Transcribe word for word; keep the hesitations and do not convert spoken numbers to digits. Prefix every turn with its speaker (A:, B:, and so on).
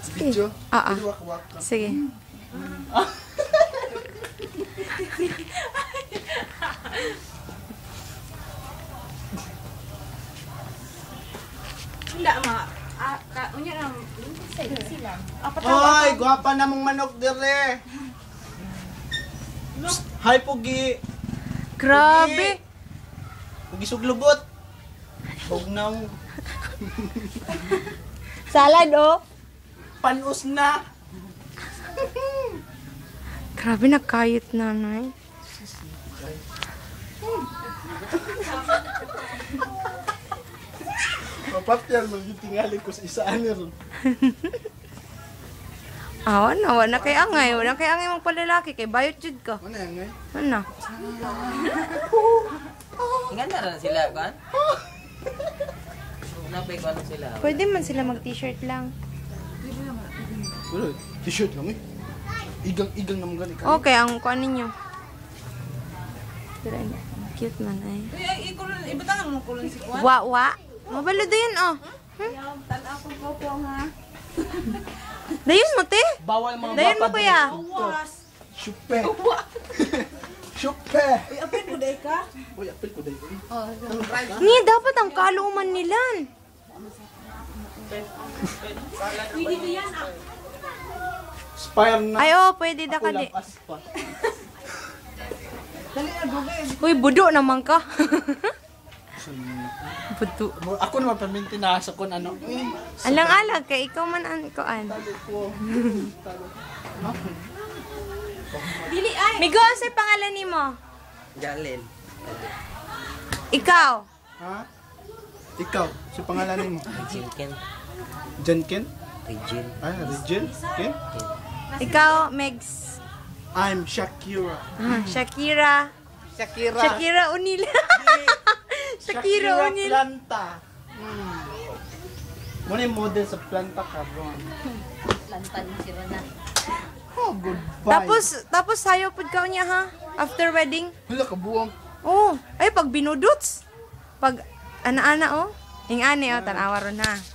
A: Video?
B: Ah, ah.
A: Pwede wak-wak ka.
B: Sige.
C: Hindi, ma. Ah, ka, unya lang. Sila. Apat
A: Hoy, gwapa na mong manok dire. Hi, Pugi.
B: Grabe.
A: Pugi suglubot. Bugnaw.
B: Salad, oh.
A: Panus na.
B: Grabe, nagkayot nanay.
A: Mapapyal, magitingali ko sa isaan ron.
B: Awa na, wala kay angay. Wala kay angay mong palalaki. Kay bayot jud ka.
A: Ano yan, ngay?
B: Ano?
D: Ganda na sila, kan? Napay ko ano sila.
B: Pwede man sila mag-t-shirt lang.
A: Wala, t-shirt lang eh. Igang-igang naman gani ka.
B: Okay, ang kuan ninyo. Pero ano, cute man ay.
C: Uy, ay, ikulon, ibatangan mo kulon si Kwan.
B: Wa, wa. Mabalo din, oh.
C: Yaw, tanaw ko ko po nga.
B: Dayon mo, te.
A: Bawal mga
B: Dayon mo,
A: bapa
B: kuya.
C: Awas.
A: Syupe. Syupe.
C: Uy, apin mo day ka?
A: Uy, apil ko dahil.
B: Ni, dapat ang kaluman nilan.
C: Uy, dito yan ah.
A: Spire na.
B: Ay, oh, pwede da
A: Ako
B: ka di.
A: lang aspa.
C: Dali na, dugay.
B: Uy, budo naman ka. Budo.
A: Ako naman paminti na sa kun ano.
B: Alang-alag kay ikaw man ang kuan.
C: Dili ay.
B: Migo, sa pangalan nimo?
D: Jalen.
B: Ikaw.
A: Ha? Ikaw, si pangalan mo?
D: Regine Ken.
A: Jenken?
D: Regine.
A: Ah, Regine? Ken?
B: Ikaw, Megs.
A: I'm Shakira.
B: Ah, Shakira.
A: Shakira.
B: Shakira Unil. Shakira Unil.
A: Planta. Hmm. Muna yung model sa planta ka, bro.
C: Lantan si Rona.
A: Oh, goodbye.
B: Tapos, tapos sayo pud ka niya ha? After wedding?
A: Wala ka buwang.
B: Oh, ay pag binudots. Pag ana-ana oh. Ing ani oh, tanawa ron ha.